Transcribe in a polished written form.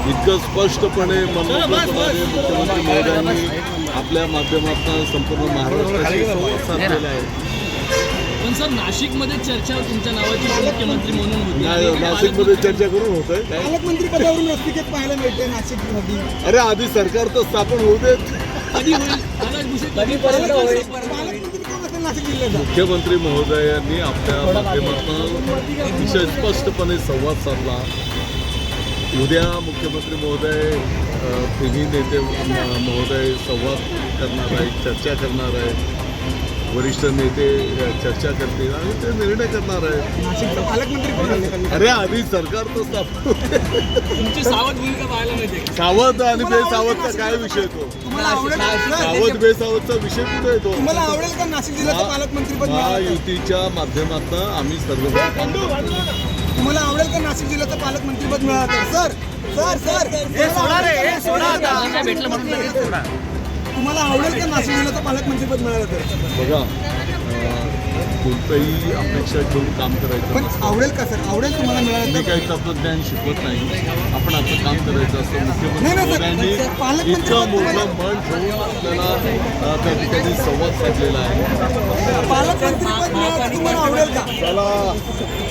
इतकं स्पष्टपणे मुख्यमंत्री महोदयांनी आपल्या माध्यमातून संपूर्ण महाराष्ट्राशी संवाद साधलेला आहे. पण सर नाशिकमध्ये चर्चा तुमच्या नावाची मुख्यमंत्री म्हणून होती. नाशिकमध्ये चर्चा करून होत आहे. पालकमंत्री पदावरून रस्तिकेत पाहायला मिळते नाशिकमध्ये. अरे आधी सरकार तर स्थापन होऊ देत. कधी होईल पालकमंत्री कोण असेल नाशिक जिल्ह्याचा? मुख्यमंत्री महोदयांनी आपल्या माध्यमातून अतिशय स्पष्टपणे संवाद साधला. उद्या मुख्यमंत्री महोदय तिन्ही नेते महोदय संवाद करणार आहे, चर्चा करणार आहे. वरिष्ठ नेते चर्चा करतील आणि ते निर्णय करणार आहे. नाशिकचा पालकमंत्री कोण असेल? अरे आधी सरकार तर स्थापन. तुमची सावध भूमिका पाहायला मिळते. सावध आणि बेसावधचा काय विषय तो? तुम्हाला आवडेल सावध बेसावधचा विषय कुठे येतो? तुम्हाला आवडेल का नाशिक जिल्ह्याचं पालकमंत्री पद मिळालं? महायुतीच्या माध्यमातून आम्ही सर्व तुम्हाला आवडेल का नाशिक जिल्ह्याचं पालकमंत्री पद मिळालं तर? सर तुम्हाला आवडेल का नाशिक जिल्ह्याचं पालकमंत्री पद मिळालं तर? बघा कोणतंही अपेक्षा ठेवून काम करायचं पण नसतं. आवडेल का सर? आवडेल तुम्हाला मिळालं मी तर? काही तत्वज्ञान शिकवत नाही. आपण आपलं काम करायचं असतं. नाही, मुख्यमंत्री नाही, महोदयांनी सर, पालकमंत्री इतकं तुम्हाला- मोठं मन ठेवून आपल्याला त्या ठिकाणी संवाद साधलेला आहे. पालकमंत्री पद मिळालं तर तुम्हाला आवडेल का? चला